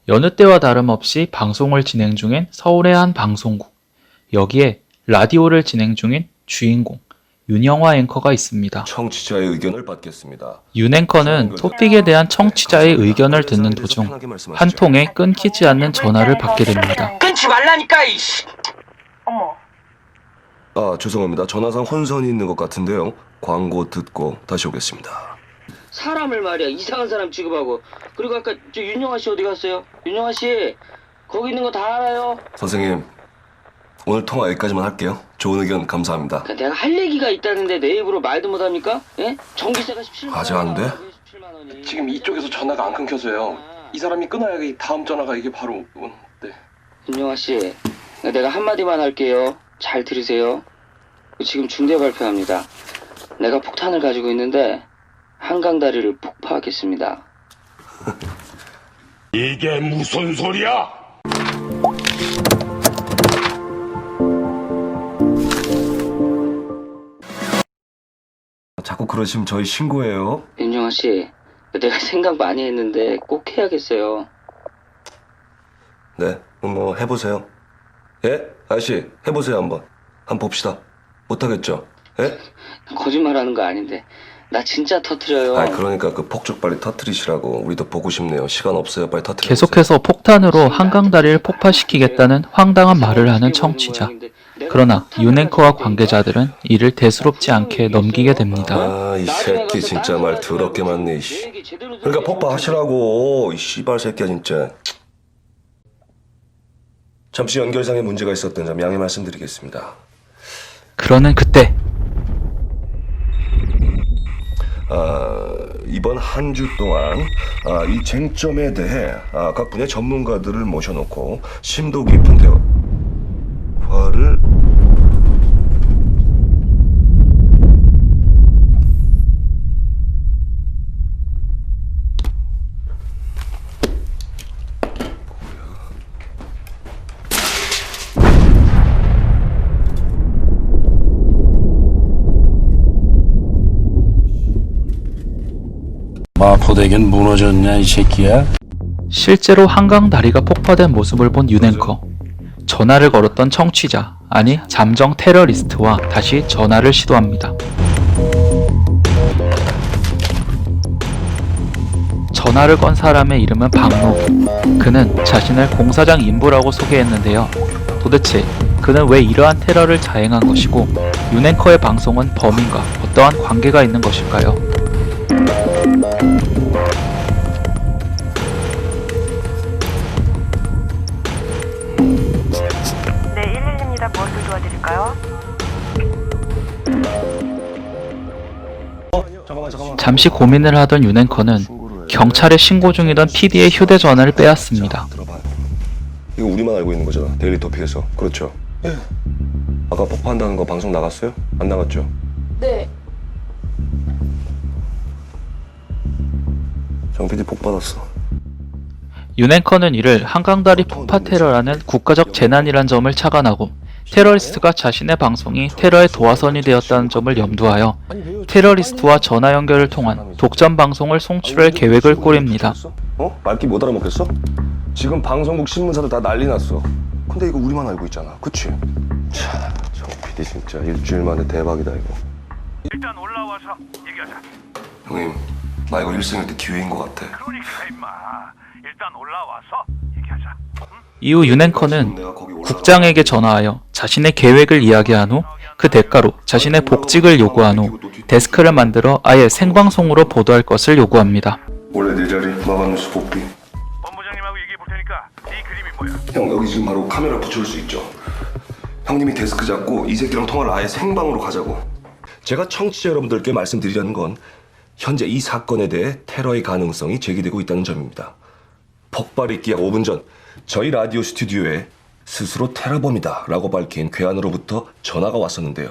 여느 때와 다름없이 방송을 진행 중인 서울의 한 방송국. 여기에 라디오를 진행 중인 주인공 윤영화 앵커가 있습니다. 청취자의 의견을 받겠습니다. 윤 앵커는 토픽에 대한 청취자의 의견을 듣는 도중 한 통의 끊기지 않는 전화를 받게 됩니다. 끊지 말라니까 이씨. 어머. 아, 죄송합니다. 전화상 혼선이 있는 것 같은데요. 광고 듣고 다시 오겠습니다. 사람을 말이야 이상한 사람 취급하고. 그리고 아까 저 윤영아 씨 어디 갔어요? 윤영아 씨 거기 있는 거 다 알아요. 선생님, 오늘 통화 여기까지만 할게요. 좋은 의견 감사합니다. 내가 할 얘기가 있다는데 내 입으로 말도 못합니까? 예? 전기세가 17만 원. 아직 안 돼? 17만 원이. 지금 이쪽에서 전화가 안 끊겨서요. 이 사람이 끊어야 이 다음 전화가 이게 바로 네. 윤영아 씨, 내가 한마디만 할게요. 잘 들으세요. 지금 중대 발표합니다. 내가 폭탄을 가지고 있는데 한강 다리를 폭파하겠습니다. 이게 무슨 소리야? 자꾸 그러시면 저희 신고해요. 윤영아 씨, 내가 생각 많이 했는데 꼭 해야겠어요. 네, 뭐 해보세요. 예? 아저씨, 해보세요 한번. 한번 봅시다. 못하겠죠? 예? 거짓말하는 거 아닌데 나 진짜 터트려요. 아, 그러니까 그 폭죽 빨리 터트리시라고. 우리도 보고 싶네요. 시간 없어요. 빨리 터트려. 계속해서 폭탄으로 한강 다리를 폭파시키겠다는 황당한 말을 하는 청취자. 그러나 윤 앵커와 관계자들은 이를 대수롭지 않게 넘기게 됩니다. 아, 이 새끼 진짜 말 더럽게 많네. 이씨. 그러니까 폭파하시라고. 이 씨발 새끼야 진짜. 잠시 연결상에 문제가 있었던 점 양해 말씀드리겠습니다. 그러는 그때 이번 한 주 동안 이 쟁점에 대해 각 분야의 전문가들을 모셔놓고 심도 깊은 대화를 마포대교는 무너졌냐 이 새끼야? 실제로 한강 다리가 폭파된 모습을 본 윤 앵커. 전화를 걸었던 청취자, 아니 잠정 테러리스트와 다시 전화를 시도합니다. 전화를 건 사람의 이름은 박노. 그는 자신을 공사장 인부라고 소개했는데요. 도대체 그는 왜 이러한 테러를 자행한 것이고 윤 앵커의 방송은 범인과 어떠한 관계가 있는 것일까요? 네, 112입니다. 무엇을 도와드릴까요? 잠시 고민을 하던 윤 앵커는 경찰에 신고 중이던 PD의 휴대전화를 빼앗습니다. 들어봐. 이거 우리만 알고 있는 거잖아. 데일리 토픽에서. 그렇죠? 예. 아까 폭파한다는 거 방송 나갔어요? 안 나갔죠? 네. 정 PD 복 받았어. 윤 앵커는 이를 한강다리 폭파 테러라는 국가적 재난이란 점을 착안하고 테러리스트가 자신의 방송이 테러의 도화선이 되었다는 점을 염두하여 테러리스트와 전화 연결을 통한 독점 방송을 송출할 계획을 꾸립니다. 말귀 못 알아먹겠어? 지금 방송국 신문사들 다 난리 났어. 근데 이거 우리만 알고 있잖아. 그치? 참, 정 PD 진짜 일주일 만에 대박이다 이거. 일단 올라와서 얘기하자. 형님, 나 이거 일생일 때 기회인 것 같아. 그러니까 임마. 일단 올라와서 얘기하자. 이후 윤 앵커는 국장에게 전화하여 자신의 계획을 이야기한 후 그 대가로 자신의 복직을 요구한 후 데스크를 만들어 아예 생방송으로 보도할 것을 요구합니다. 원래 내 자리 마감뉴스 복귀. 본부장님하고 얘기해 볼 테니까 네 그림이 뭐야? 형, 여기 지금 바로 카메라 붙여올 수 있죠? 형님이 데스크 잡고 이 새끼랑 통화를 아예 생방으로 가자고. 제가 청취자 여러분들께 말씀드리려는 건 현재 이 사건에 대해 테러의 가능성이 제기되고 있다는 점입니다. 폭발 있기 약 5분 전 저희 라디오 스튜디오에 스스로 테러범이다 라고 밝힌 괴한으로부터 전화가 왔었는데요.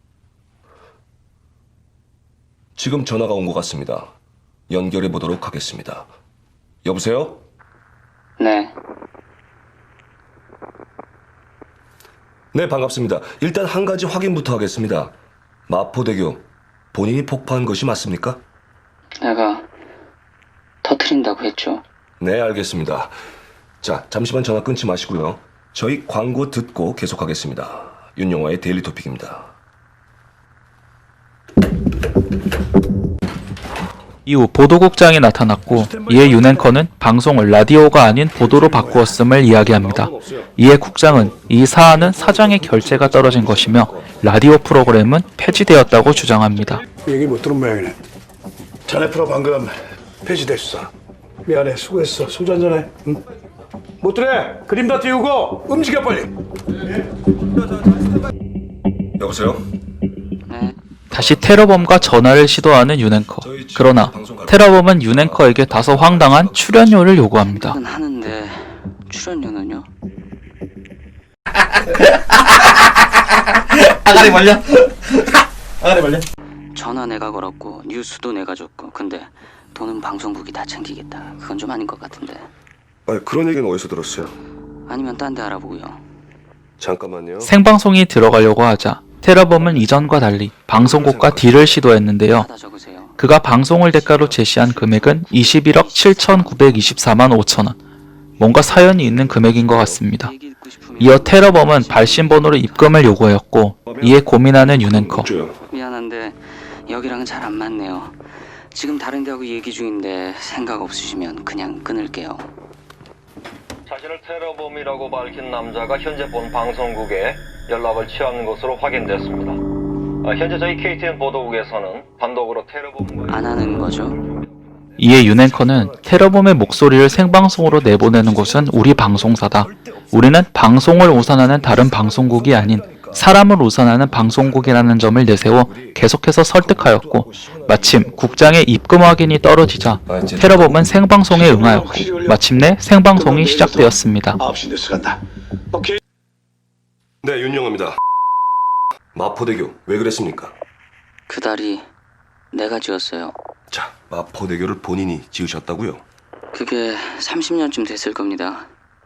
지금 전화가 온 것 같습니다. 연결해 보도록 하겠습니다. 여보세요? 네. 네, 반갑습니다. 일단 한 가지 확인부터 하겠습니다. 마포대교 본인이 폭파한 것이 맞습니까? 내가 터트린다고 했죠. 네, 알겠습니다. 자, 잠시만 전화 끊지 마시고요. 저희 광고 듣고 계속하겠습니다. 윤영화의 데일리 토픽입니다. 이후 보도국장이 나타났고 이에 윤 앵커는 방송을 라디오가 아닌 보도로 바꾸었음을 이야기합니다. 이에 국장은 이 사안은 사장의 결재가 떨어진 것이며 라디오 프로그램은 폐지되었다고 주장합니다. 얘기 못 들은 모양이네. 자네 프로 방금 폐지됐어. 미안해, 수고했어. 소주 한잔해. 응? 못 들어. 그림 다 띄우고 움직여 빨리. 여보세요? 네. 다시 테러범과 전화를 시도하는 윤 앵커. 그러나 테러범은 윤 앵커에게 다소 황당한 출연료를 요구합니다. 은 하는데 출연료는요? 아가리 벌려. 아가리 벌려. 전화 내가 걸었고 뉴스도 내가 줬고 근데 돈은 방송국이 다 챙기겠다. 그건 좀 아닌 것 같은데. 아니, 그런 얘기는 어디서 들었어요? 아니면 딴 데 알아보고요. 잠깐만요. 생방송이 들어가려고 하자 테러범은 이전과 달리 방송국과 딜을 시도했는데요. 하다 적으세요. 그가 방송을 대가로 제시한 금액은 21억 7,924만 5천 원. 뭔가 사연이 있는 금액인 것 같습니다. 얘기 듣고 싶으면 이어 테러범은 발신번호로 입금을 요구하였고 이에 고민하는 윤 앵커. 없죠. 미안한데 여기랑은 잘 안 맞네요. 지금 다른 데하고 얘기 중인데 생각 없으시면 그냥 끊을게요. 자신을 테러범이라고 밝힌 남자가 현재 본 방송국에 연락을 취하는 것으로 확인됐습니다. 현재 저희 KTN 보도국에서는 단독으로 테러범과 안 하는 거죠? 이에 윤 앵커는 테러범의 목소리를 생방송으로 내보내는 곳은 우리 방송사다. 우리는 방송을 우선하는 다른 방송국이 아닌 사람을 우선하는 방송국이라는 점을 내세워 계속해서 설득하였고 마침 국장의 입금 확인이 떨어지자 테러범은 생방송에 응하였고 마침내 생방송이 시작되었습니다. 9시 뉴스 간다. 오케이. 네, 윤영화입니다. 마포대교 왜 그랬습니까? 그 다리 내가 지었어요. 자, 마포대교를 본인이 지으셨다고요? 그게 30년쯤 됐을 겁니다.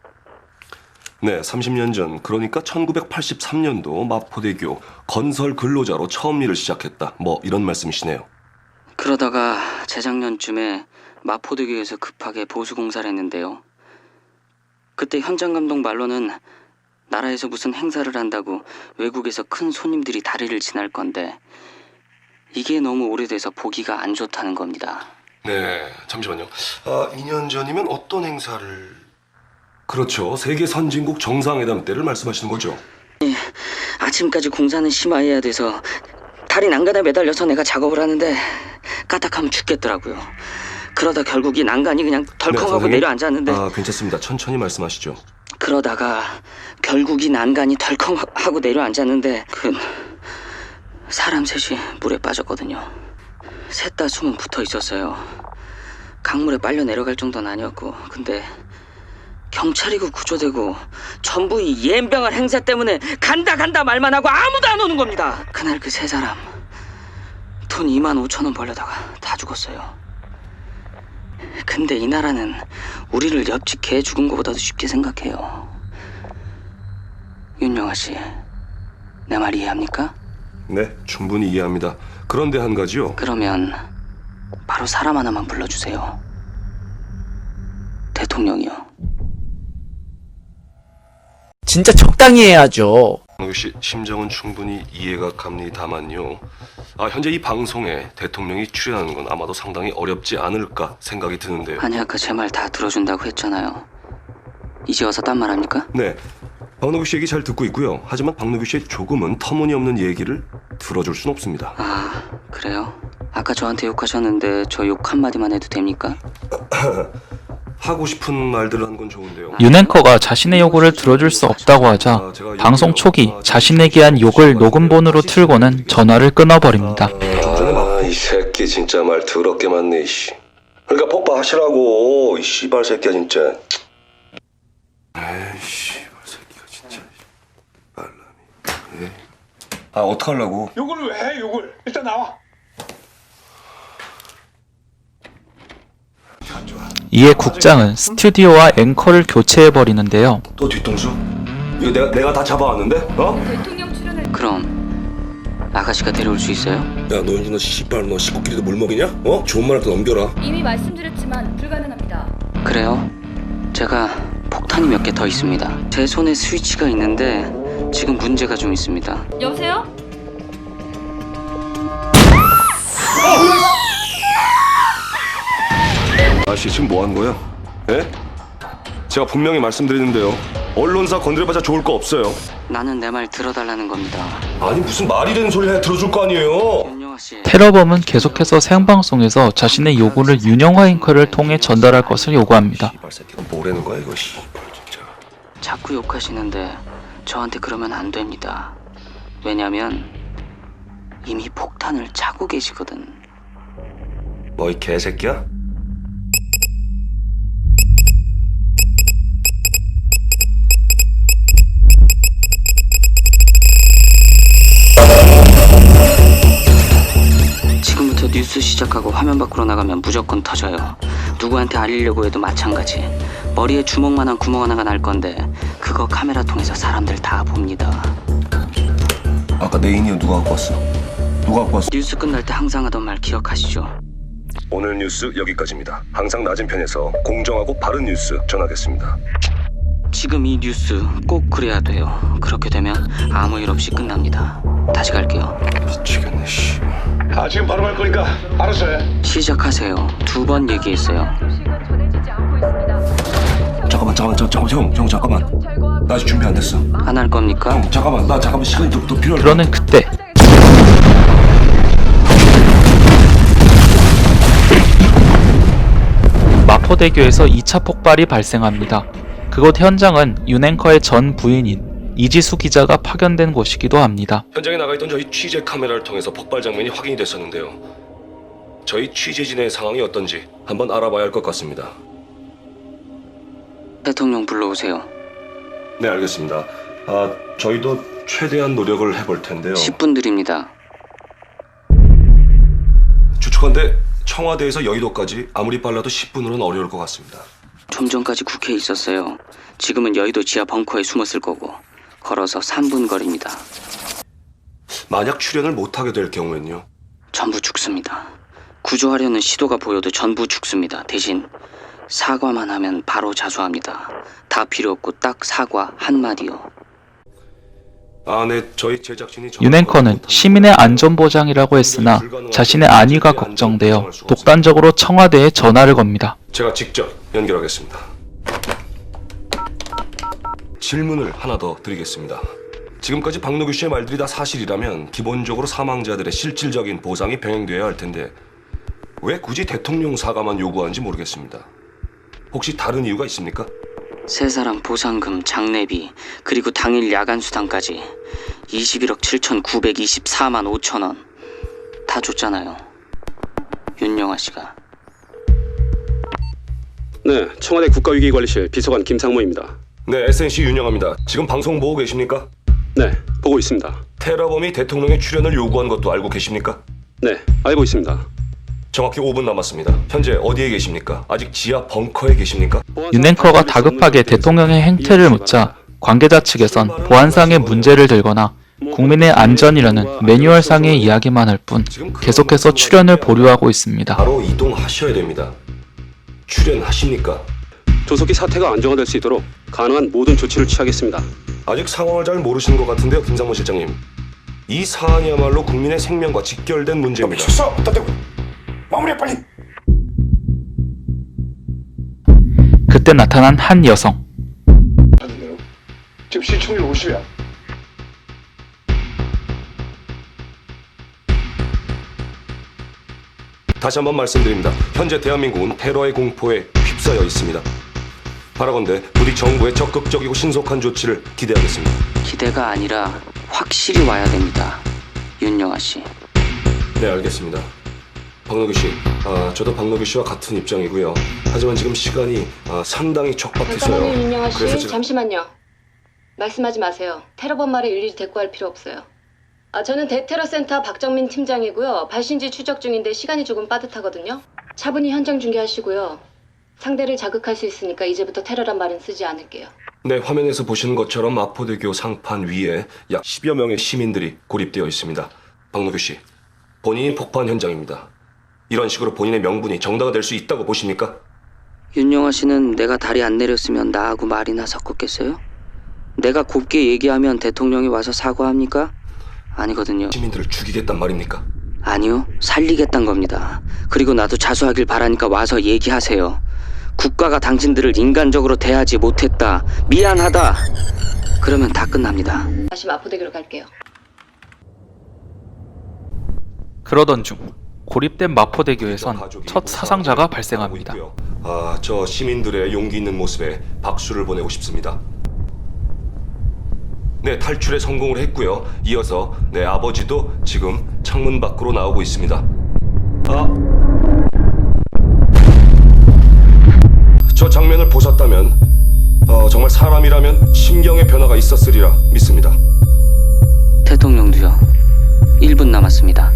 네, 30년 전, 그러니까 1983년도 마포대교 건설 근로자로 처음 일을 시작했다. 뭐 이런 말씀이시네요. 그러다가 재작년쯤에 마포대교에서 급하게 보수공사를 했는데요. 그때 현장 감독 말로는 나라에서 무슨 행사를 한다고 외국에서 큰 손님들이 다리를 지날 건데 이게 너무 오래돼서 보기가 안 좋다는 겁니다. 네, 잠시만요. 2년 전이면 어떤 행사를... 그렇죠. 세계 선진국 정상회담 때를 말씀하시는 거죠? 아침까지 공사는 심화해야 돼서 다리 난간에 매달려서 내가 작업을 하는데 까딱하면 죽겠더라고요. 그러다 결국 이 난간이 그냥 덜컹하고 선생님? 내려앉았는데 괜찮습니다. 천천히 말씀하시죠. 그러다가 결국 이 난간이 덜컹하고 내려앉았는데 사람 셋이 물에 빠졌거든요. 셋 다 숨은 붙어 있었어요. 강물에 빨려 내려갈 정도는 아니었고 근데 경찰이고 구조되고 전부 이 옌병할 행사 때문에 간다 말만 하고 아무도 안 오는 겁니다. 그날 그 세 사람 돈 25,000원 벌려다가 다 죽었어요. 근데 이 나라는 우리를 옆집 개 죽은 것보다도 쉽게 생각해요. 윤영아 씨, 내 말 이해합니까? 네, 충분히 이해합니다. 그런데 한 가지요. 그러면 바로 사람 하나만 불러주세요. 대통령이요. 진짜 적당히 해야죠. 씨 심정은 충분히 이해가 갑니다만요. 현재 이 방송에 대통령이 출연하는 건 아마도 상당히 어렵지 않을까 생각이 드는데요. 아니 아까 제 말 다 들어준다고 했잖아요. 이제 와서 딴 말 합니까? 네, 박노규 씨 얘기 잘 듣고 있고요. 하지만 박노규 씨의 조금은 터무니없는 얘기를 들어줄 순 없습니다. 아 그래요? 아까 저한테 욕하셨는데 저 욕 한마디만 해도 됩니까? 하고 싶은 말들을 한 건 좋은데요. 윤 앵커가 자신의 요구를 들어줄 수 없다고 하자 방송 초기 자신에게 한 욕을 녹음본으로 틀고는 전화를 끊어버립니다. 이 새끼 진짜 말 더럽게 많네. 씨. 그러니까 폭파하시라고. 이 씨발 새끼야 진짜. 에이 씨발 새끼가 진짜. 말람이. 어떡하려고? 요걸 왜 해? 요걸 일단 나와. 이에 국장은 스튜디오와 앵커를 교체해버리는데요. 또 뒤통수? 이거 내가 다 잡아왔는데? 그럼 아가씨가 데려올 수 있어요? 야, 너 씨발 너 식구끼리도 물 먹이냐? 좋은 말 할 때 넘겨라. 이미 말씀드렸지만 불가능합니다. 그래요? 제가 폭탄 폭탄이 몇 개 더 있습니다. 제 손에 스위치가 있는데 지금 문제가 좀 있습니다. 여보세요? 아씨 지금 뭐 하는 거야? 예? 제가 분명히 말씀드리는데요. 언론사 건드려봐자 좋을 거 없어요. 나는 내 말 들어달라는 겁니다. 아니 무슨 말이 되는 소리 해 들어줄 거 아니에요. 윤영아 씨, 테러범은 계속해서 생방송에서 자신의 요구를 윤영화 앵커를 통해 전달할 것을 요구합니다. 씨발 새끼가 뭐라는 거야 이거 씨발 진짜. 자꾸 욕하시는데 저한테 그러면 안 됩니다. 왜냐면 이미 폭탄을 차고 계시거든. 뭐 이 개새끼야? 지금부터 뉴스 시작하고 화면 밖으로 나가면 무조건 터져요. 누구한테 알리려고 해도 마찬가지. 머리에 주먹만한 구멍 하나가 날 건데 그거 카메라 통해서 사람들 다 봅니다. 아까 내 인이어 누가 갖고 왔어? 누가 갖고 왔어? 뉴스 끝날 때 항상 하던 말 기억하시죠? 오늘 뉴스 여기까지입니다. 항상 낮은 편에서 공정하고 바른 뉴스 전하겠습니다. 지금 이 뉴스 꼭 그래야 돼요. 그렇게 되면 아무 일 없이 끝납니다. 다시 갈게요. 미치겠네 씨. 아 지금 바로 갈 거니까 알았어 해. 시작하세요. 2번 얘기했어요. 잠깐만 형 잠깐만. 나 아직 준비 안 됐어. 안 할 겁니까? 형 잠깐만 나 잠깐만 시간이 더 필요할 그러는 그때 마포대교에서 2차 폭발이 발생합니다. 그곳 현장은 윤 앵커의 전 부인인 이지수 기자가 파견된 곳이기도 합니다. 현장에 나가 있던 저희 취재 카메라를 통해서 폭발 장면이 확인이 됐었는데요. 저희 취재진의 상황이 어떤지 한번 알아봐야 할 것 같습니다. 대통령 불러오세요. 네 알겠습니다. 저희도 최대한 노력을 해볼 텐데요. 10분 드립니다. 추측한데 청와대에서 여의도까지 아무리 빨라도 10분으로는 어려울 것 같습니다. 좀 전까지 국회에 있었어요. 지금은 여의도 지하 벙커에 숨었을 거고 걸어서 3분 거리입니다. 만약 출연을 못하게 될 경우엔요? 전부 죽습니다. 구조하려는 시도가 보여도 전부 죽습니다. 대신 사과만 하면 바로 자수합니다. 다 필요 없고 딱 사과 한마디요. 네, 저희 제작진이 윤 앵커는 시민의 안전보장이라고 했으나 자신의 안위가 걱정되어 독단적으로 청와대에 전화를 겁니다. 제가 직접 연결하겠습니다. 질문을 하나 더 드리겠습니다. 지금까지 박노규 씨의 말들이 다 사실이라면 기본적으로 사망자들의 실질적인 보상이 병행되어야 할 텐데 왜 굳이 대통령 사과만 요구하는지 모르겠습니다. 혹시 다른 이유가 있습니까? 세 사람 보상금, 장례비, 그리고 당일 야간 수당까지 21억 7,924만 5천 원 다 줬잖아요. 윤영아 씨가. 네, 청와대 국가위기관리실 비서관 김상모입니다. 네, SNC 윤영아입니다. 지금 방송 보고 계십니까? 네, 보고 있습니다. 테러범이 대통령의 출연을 요구한 것도 알고 계십니까? 네, 알고 있습니다. 정확히 5분 남았습니다. 현재 어디에 계십니까? 아직 지하 벙커에 계십니까? 윤 앵커가 다급하게 대통령의 행태를 묻자 관계자 측에선 보안상의 문제를 들거나 국민의 안전이라는 매뉴얼상의 이야기만 할 뿐 계속해서 출연을 보류하고 있습니다. 바로 이동하셔야 됩니다. 출연하십니까? 조속히 사태가 안정화될 수 있도록 가능한 모든 조치를 취하겠습니다. 아직 상황을 잘 모르시는 것 같은데요, 김상모 실장님. 이 사안이야말로 국민의 생명과 직결된 문제입니다. 미쳤어. 마무리해 빨리. 그때 나타난 한 여성. 지금 시청률 50이야. 다시 한번 말씀드립니다. 현재 대한민국은 테러의 공포에 휩싸여 있습니다. 바라건대 부디 정부의 적극적이고 신속한 조치를 기대하겠습니다. 기대가 아니라 확실히 와야 됩니다. 윤영아 씨. 네, 알겠습니다. 박노규 씨, 저도 박노규 씨와 같은 입장이고요. 하지만 지금 시간이 상당히 촉박해서요. 잠깐만요, 윤영아 씨. 그래서 지금... 잠시만요. 말씀하지 마세요. 테러범 말에 일일이 대꾸할 필요 없어요. 저는 대테러센터 박정민 팀장이고요. 발신지 추적 중인데 시간이 조금 빠듯하거든요. 차분히 현장 중계하시고요. 상대를 자극할 수 있으니까 이제부터 테러란 말은 쓰지 않을게요. 네, 화면에서 보시는 것처럼 마포대교 상판 위에 약 10여 명의 시민들이 고립되어 있습니다. 박노규 씨, 본인이 폭파한 현장입니다. 이런 식으로 본인의 명분이 정당화될 수 있다고 보십니까? 윤영아 씨는 내가 다리 안 내렸으면 나하고 말이나 섞었겠어요? 내가 곱게 얘기하면 대통령이 와서 사과합니까? 아니거든요. 시민들을 죽이겠단 말입니까? 아니요, 살리겠단 겁니다. 그리고 나도 자수하길 바라니까 와서 얘기하세요. 국가가 당신들을 인간적으로 대하지 못했다, 미안하다, 그러면 다 끝납니다. 다시 마포대교로 갈게요. 그러던 중 고립된 마포대교에선 첫 사상자가 발생합니다. 저 시민들의 용기 있는 모습에 박수를 보내고 싶습니다. 네, 탈출에 성공을 했고요. 이어서 내 아버지도 지금 창문 밖으로 나오고 있습니다. 저 장면을 보셨다면 정말 사람이라면 심경의 변화가 있었으리라 믿습니다. 대통령도요. 1분 남았습니다.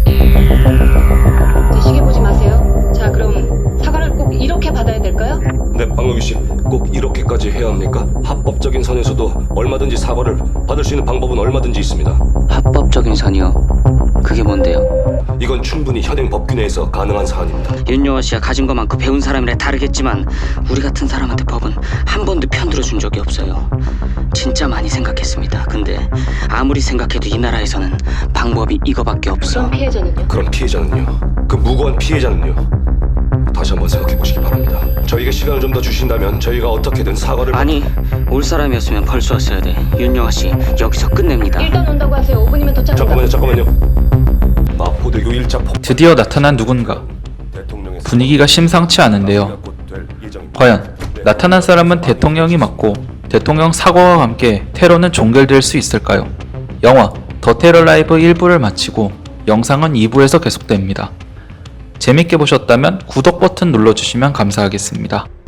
제 시계 보지 마세요. 자, 그럼 사과를 꼭 이렇게 받아야 될까요? 네, 박명규 씨, 꼭 이렇게까지 해야 합니까? 합법적인 선에서도 얼마든지 사과를 받을 수 있는 방법은 얼마든지 있습니다. 합법적인 선이요? 그게 뭔데요? 이건 충분히 현행 법규 내에서 가능한 사안입니다. 윤영아 씨가 가진 거 많고 배운 사람이라 다르겠지만 우리 같은 사람한테 법은 한 번도 편들어 준 적이 없어요. 진짜 많이 생각했습니다. 근데 아무리 생각해도 이 나라에서는 방법이 이거밖에 없어. 그럼 피해자는요? 그럼 피해자는요? 그 무고한 피해자는요? 다시 한번 생각해 보시기 바랍니다. 저희에게 시간을 좀 더 주신다면 저희가 어떻게든 사과를... 아니, 올 사람이었으면 벌써 왔어야 돼. 윤영아 씨, 여기서 끝냅니다. 일단 온다고 하세요. 5분이면 도착합니다. 잠깐만요. 마포대교 1차 폭... 드디어 나타난 누군가. 분위기가 심상치 않은데요. 과연 나타난 사람은 대통령이 맞고 대통령 사과와 함께 테러는 종결될 수 있을까요? 영화 더 테러 라이브 1부를 마치고 영상은 2부에서 계속됩니다. 재밌게 보셨다면 구독 버튼 눌러주시면 감사하겠습니다.